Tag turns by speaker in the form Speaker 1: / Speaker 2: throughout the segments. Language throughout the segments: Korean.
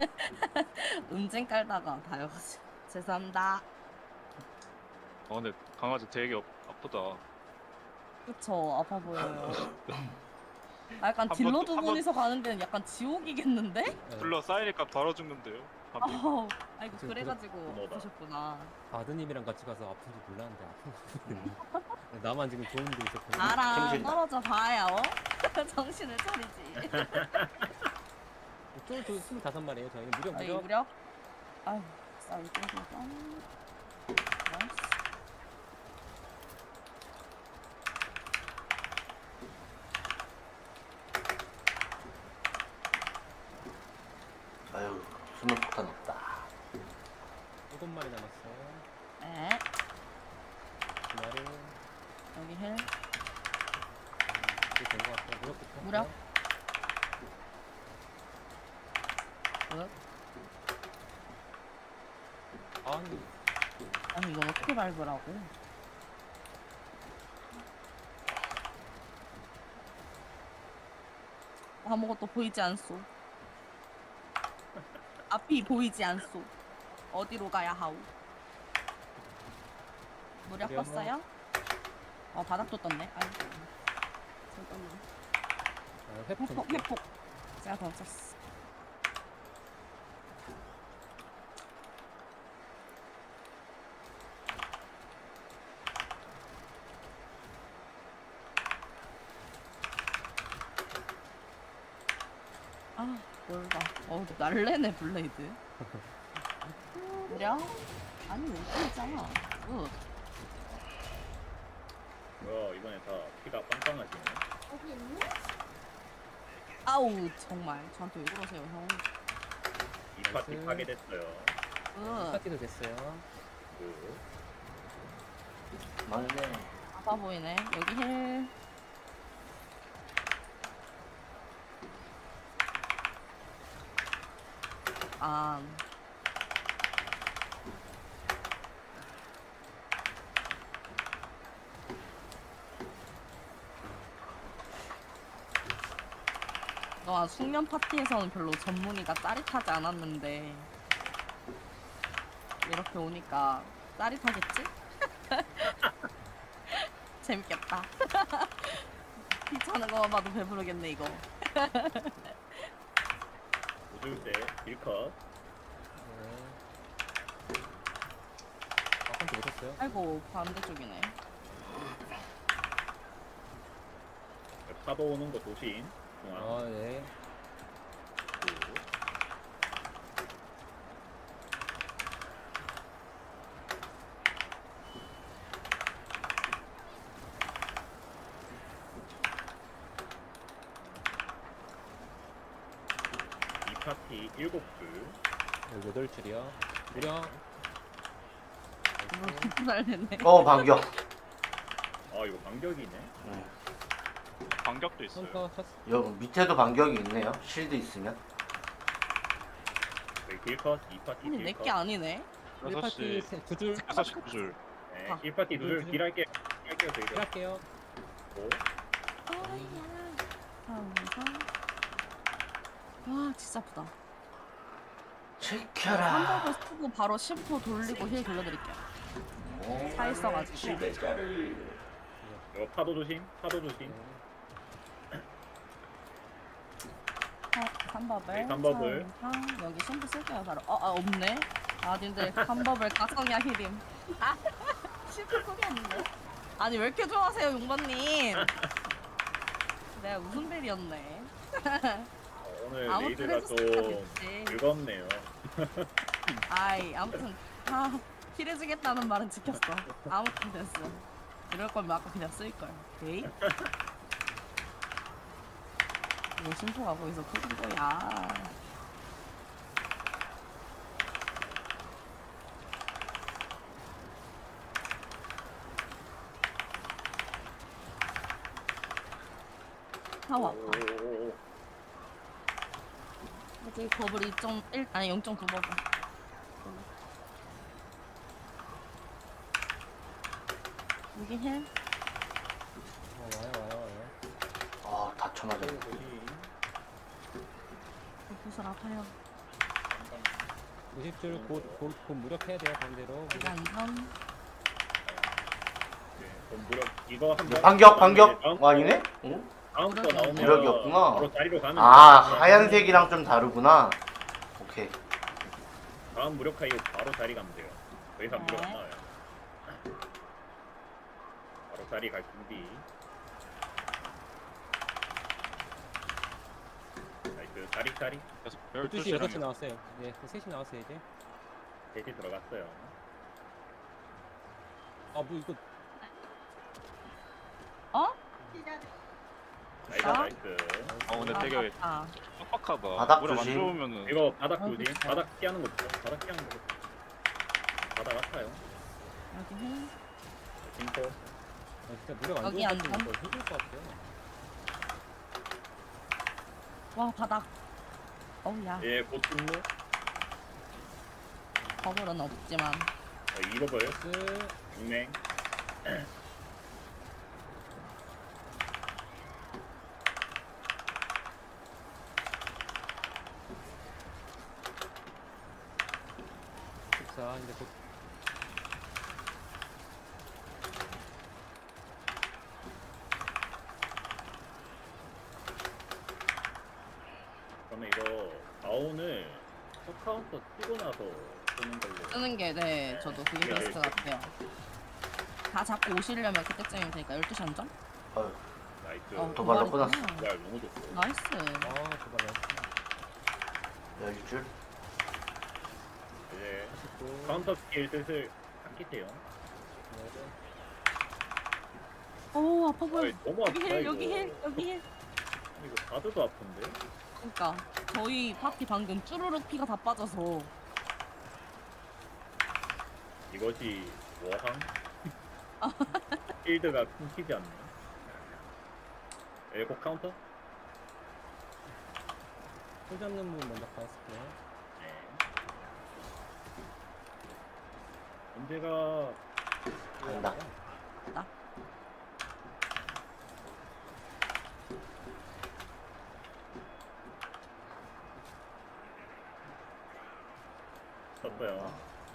Speaker 1: 은쟁 깔다가 다여가지고 죄송합니다.
Speaker 2: 근데 강아지 되게 아프다.
Speaker 1: 그쵸, 아파 보여요. 아, 약간
Speaker 2: 한 번
Speaker 1: 딜러
Speaker 2: 또
Speaker 1: 두
Speaker 2: 한 번
Speaker 1: 분이서 가는 데는 약간 지옥이겠는데?
Speaker 3: 네.
Speaker 2: 불러 쌓이니까 바로 죽는데요. 밤비.
Speaker 1: 아우, 아이고
Speaker 3: 지금
Speaker 1: 그래가지고
Speaker 4: 번호다.
Speaker 1: 아프셨구나.
Speaker 3: 바드님이랑 같이 가서 아픈지 몰랐는데 아픈 거거든요. 나만 지금 좋은 데 있었거든요.
Speaker 1: 나랑
Speaker 4: 정신나.
Speaker 1: 떨어져 봐야 정신을 차리지.
Speaker 3: 쫄 25마리에요. 저희는 무력
Speaker 1: 저희
Speaker 3: 무력.
Speaker 1: 무력. 아유, 쌀 땡겨서. 나이스.
Speaker 4: 아유, 수면 폭탄 없다.
Speaker 3: 7마리 남았어요.
Speaker 1: 네,
Speaker 3: 2마리.
Speaker 1: 여기 힐.
Speaker 3: 이제 된것 같아요. 무력부터.
Speaker 1: 무력. 굿.
Speaker 3: 아니,
Speaker 1: 아니 이건 어떻게 밟으라고? 아무것도 보이지 않소. 앞이 보이지 않소. 어디로 가야 하오? 무력
Speaker 3: 무력.
Speaker 1: 껐어요? 바닥도 떴네. 아이고. 잠깐만.
Speaker 3: 회복 좀
Speaker 1: 회폭,
Speaker 3: 할게요.
Speaker 1: 회폭. 제가 더 쳤어. 아, 뭘 봐. 날래네, 블레이드. 무려? 아니, 왜 있잖아. 굿.
Speaker 4: 뭐야, 이번에 다 피가 빵빵하시네.
Speaker 1: 아우, 정말. 저한테 왜 그러세요, 형.
Speaker 4: 이 파티
Speaker 3: 나이스.
Speaker 4: 파괴됐어요.
Speaker 1: 굿.
Speaker 3: 파티도 됐어요.
Speaker 4: 그. 맞네.
Speaker 1: 아파 보이네. 여기 힐. 아. 숙련 파티에서는 별로 전문의가 짜릿하지 않았는데 이렇게 오니까 짜릿하겠지? 재밌겠다. 귀찮은 것만 봐도 배부르겠네 이거.
Speaker 4: 우줄 때 딜컷.
Speaker 3: 네. 아까한테 못했어요.
Speaker 1: 아이고 반대쪽이네.
Speaker 4: 파도 오는 거 조심. 중앙.
Speaker 3: 아, 네.
Speaker 4: 그. 이 파티 7줄.
Speaker 3: 8줄이요. 무력.
Speaker 1: 이거 기쁘달랬네.
Speaker 4: 반격. 이거 반격이네.
Speaker 2: 반격도 있어요.
Speaker 3: 카운터 쳤.
Speaker 4: 여기 밑에도 반격이 있네요. 실드 있으면. 여기 딜컷, 이 파티
Speaker 1: 아니
Speaker 4: 딜컷.
Speaker 1: 내게 아니네.
Speaker 3: 1파티 2줄.
Speaker 2: 6시 9줄.
Speaker 4: 네,
Speaker 1: 아.
Speaker 4: 1파티 누를 딜할게요. 딜할게요, 저희가.
Speaker 3: 할게요.
Speaker 4: 오.
Speaker 1: 항상. 와 진짜 아프다.
Speaker 4: 지켜라.
Speaker 1: 한번을 쓰고 바로 10호 돌리고 힐 돌려드릴게요. 차 있어가지고.
Speaker 4: 이거 파도 조심, 파도 조심.
Speaker 1: 삼버블.
Speaker 4: 네, 삼버블.
Speaker 1: 여기 심플 쓸게요 바로. 없네. 님들 삼버블 각성이야 히림. 심플 소리였는데. 아니 왜 이렇게 좋아하세요 용번님? 내가 웃음벨이었네.
Speaker 4: 오늘
Speaker 1: 아무튼
Speaker 4: 레이드가 좀
Speaker 1: 해줬으니까 됐지.
Speaker 4: 즐겁네요.
Speaker 1: 아무튼 힐해주겠다는 말은 지켰어. 아무튼 됐어. 이럴 거면 아까 그냥 쓸걸. 오케이? 뭐 심포가 거기서 터진 거야. 아우 아파.
Speaker 4: 오.
Speaker 1: 이제 버블 2.1 아니 0.9 버블. 여기 힐.
Speaker 3: 와요.
Speaker 4: 다 쳐맞았네.
Speaker 1: 구슬 아파요.
Speaker 3: 50줄 곧 무력해야 돼요 반대로.
Speaker 1: 일단 2선.
Speaker 4: 그럼 무력 이거 한번
Speaker 5: 반격 아니네? 응?
Speaker 4: 다음 거 나오면
Speaker 5: 무력이었구나.
Speaker 4: 바로 자리로 가면
Speaker 5: 아
Speaker 4: 돼요.
Speaker 5: 하얀색이랑 좀 다르구나. 오케이.
Speaker 4: 다음 무력화 이거 바로 자리 가면 돼요. 더 이상 무력 안 나와요. 바로 자리 갈 준비. 나이스. 자리
Speaker 3: 12시 6시
Speaker 2: 12시
Speaker 3: 나왔어요. 네 3시 나왔어요 이제.
Speaker 4: 셋이 들어갔어요.
Speaker 3: 아 뭐 이거
Speaker 1: 어?
Speaker 4: 나이스
Speaker 1: 아?
Speaker 4: 나이스.
Speaker 2: 근데
Speaker 1: 아,
Speaker 2: 되게
Speaker 1: 맞다.
Speaker 2: 빡빡하다.
Speaker 5: 바닥
Speaker 2: 물안
Speaker 5: 조심.
Speaker 2: 좋으면은
Speaker 4: 이거 바닥
Speaker 1: 어,
Speaker 4: 조심.
Speaker 1: 그쵸.
Speaker 4: 바닥 피하는 거 있죠? 바닥 피하는 거. 바닥 아파요.
Speaker 1: 여기 해.
Speaker 4: 진포.
Speaker 3: 진짜 무력 안
Speaker 1: 여기
Speaker 3: 좋은
Speaker 1: 안
Speaker 3: 것 같으면 힘들 것 같아요.
Speaker 1: 와 바닥. 어우야.
Speaker 4: 예, 곧 분무.
Speaker 1: 버블은 없지만.
Speaker 4: 이버블.
Speaker 3: 스
Speaker 4: 육맹.
Speaker 3: 자 이제 곧
Speaker 4: 그러면 이거 다운을 컷카운터 뛰고 나서 쓰는 걸로.
Speaker 1: 쓰는 게 네 저도 그게
Speaker 4: 네,
Speaker 1: 베스트
Speaker 4: 네.
Speaker 1: 같아요. 다 잡고 오시려면 그때쯤이면 되니까 12시 한점?
Speaker 5: 어휴,
Speaker 4: 나이스.
Speaker 5: 도발로 끊었어.
Speaker 4: 도발 너무 좋고.
Speaker 1: 나이스.
Speaker 3: 도발
Speaker 5: 열줄.
Speaker 4: 이제 카운터 스킬 슬슬 안기세요.
Speaker 1: 오 아파 보여.
Speaker 4: 너무
Speaker 1: 여기
Speaker 4: 아프다
Speaker 1: 힐
Speaker 4: 이거.
Speaker 1: 여기 힐 여기 힐.
Speaker 4: 이거 다드도 아픈데?
Speaker 1: 그러니까 저희 파티 방금 쭈루룩 피가 다 빠져서
Speaker 4: 이것이 워항? 필드가 끊기지 않네. 에고 카운터?
Speaker 3: 손 잡는 분 먼저 가있을게요.
Speaker 4: 네. 언제가
Speaker 5: 간다.
Speaker 4: 떴어요.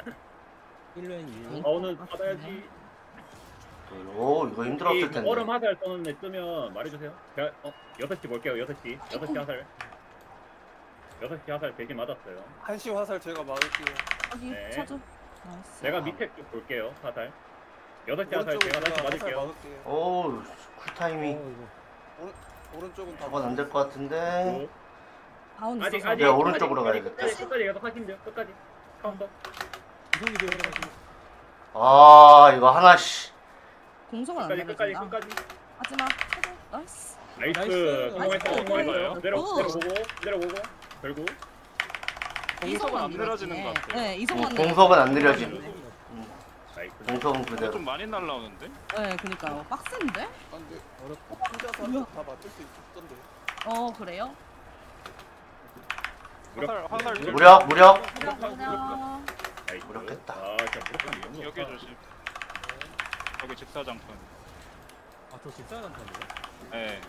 Speaker 3: 1렌 1.
Speaker 4: 다운은 받아야지.
Speaker 5: 오 이거 힘들었을 텐데.
Speaker 4: 얼음 화살 떠는 애 뜨면 말해주세요. 제가 6시 볼게요. 6시. 6시 화살. 6시 화살 대신 맞았어요.
Speaker 6: 한시 화살 제가 막을게요.
Speaker 1: 여기
Speaker 4: 네.
Speaker 1: 쳐줘. 나이스.
Speaker 4: 내가 밑에 쪽 볼게요. 화살. 6시 화살 제가 다시 맞을게요.
Speaker 6: 막을게요.
Speaker 5: 오 쿨타이밍.
Speaker 3: 이거
Speaker 6: 오른쪽은 다
Speaker 5: 저건 안 될 것 같은데.
Speaker 1: 다운
Speaker 4: 아직
Speaker 1: 있어서
Speaker 4: 아직
Speaker 5: 내가 오른쪽으로
Speaker 4: 끝까지,
Speaker 5: 가야겠다.
Speaker 4: 끝까지 계속 하시면 돼요. 끝까지. 카운터.
Speaker 3: 이동이 되어가지고
Speaker 5: 아 이거 하나씩.
Speaker 1: 공성은 안
Speaker 4: 끝까지
Speaker 1: 내려준다.
Speaker 4: 끝까지.
Speaker 1: 하지마. 쳐줘. 나이스.
Speaker 4: 나이스.
Speaker 3: 나이스.
Speaker 4: 성공했어.
Speaker 1: 나이스.
Speaker 4: 성공했어요.
Speaker 1: 나이스.
Speaker 4: 내려보고 결국
Speaker 2: 공성은 안 내려지는 것 같아요.
Speaker 1: 네 이성만
Speaker 5: 공석은 안 느려지네.
Speaker 4: 나이스.
Speaker 5: 공석은
Speaker 2: 근데
Speaker 5: 그대로.
Speaker 2: 좀 많이 날라오는데?
Speaker 1: 네 그니까요. 빡센데?
Speaker 6: 안돼.
Speaker 3: 어렵다.
Speaker 6: 혼자서
Speaker 1: 뭐야?
Speaker 6: 다 맞을 수 있던데.
Speaker 1: 그래요?
Speaker 2: 화살
Speaker 5: 무력.
Speaker 1: 그냥
Speaker 4: 나이스.
Speaker 5: 무력했다.
Speaker 4: 아, 진짜 무력함이 너무
Speaker 2: 여기
Speaker 4: 좋다.
Speaker 2: 조심. 여기 직사장판.
Speaker 3: 아저 집사람 편이에요?
Speaker 2: 네.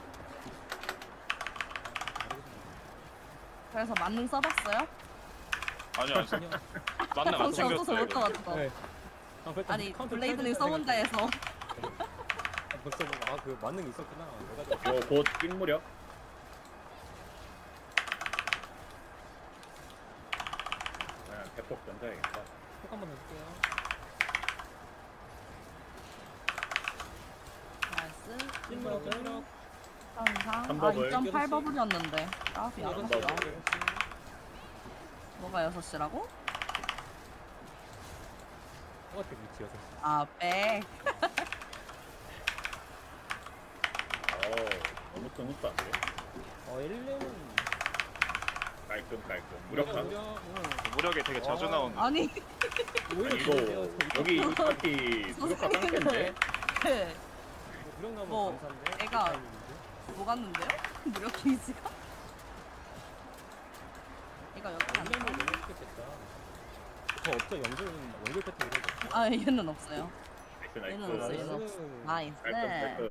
Speaker 1: 그래서 만능 써봤어요?
Speaker 2: 아니요 안
Speaker 3: 그냥
Speaker 2: 맞는 안
Speaker 1: 정신 없어서
Speaker 2: 챙겼어요.
Speaker 1: 못 써봤어.
Speaker 3: 네. 아, 그랬더니
Speaker 1: 아니
Speaker 3: 카운터
Speaker 1: 블레이드를
Speaker 3: 켜야겠다
Speaker 1: 써본다 해서
Speaker 3: 생각했는데 벌써 아그 만능 있었구나. 내가
Speaker 4: 이거 곧 찐무력. 그냥 대폭 던져야겠다.
Speaker 3: 꼭 한번 해줄게요.
Speaker 1: 나이스.
Speaker 3: 찐무력 찐무력.
Speaker 1: 항상
Speaker 4: 한
Speaker 1: 아
Speaker 4: 버블.
Speaker 1: 2.8버블이었는데 까비
Speaker 4: 한
Speaker 1: 아깝다.
Speaker 4: 버블.
Speaker 1: 뭐가 6시라고?
Speaker 3: 똑같은 위치여서.
Speaker 1: 아 백.
Speaker 4: 너무 스무스한데?
Speaker 3: 1렌은
Speaker 4: 깔끔. 무력함.
Speaker 2: 무력이 되게 자주
Speaker 3: 아.
Speaker 2: 나오는.
Speaker 1: 아니
Speaker 3: 오히려
Speaker 4: 이거
Speaker 3: 좋은데요.
Speaker 4: 여기 이 파티 무력화 깡패인데?
Speaker 1: 네.
Speaker 3: 무력 나면
Speaker 1: 뭐,
Speaker 3: 감사한데.
Speaker 1: 애가-
Speaker 3: 타이밍인데?
Speaker 1: 뭐 갔는데요? 무력 게이지가? 이거 여기 안
Speaker 3: 1렌도
Speaker 1: 돼.
Speaker 3: 너무 좋겠다. 저 없죠 연결 패턴 이런 거.
Speaker 1: 아 얘는 없어요.
Speaker 4: 나이스.
Speaker 1: 얘는 없어요. 얘는 없어. 나이스.
Speaker 4: 깔끔.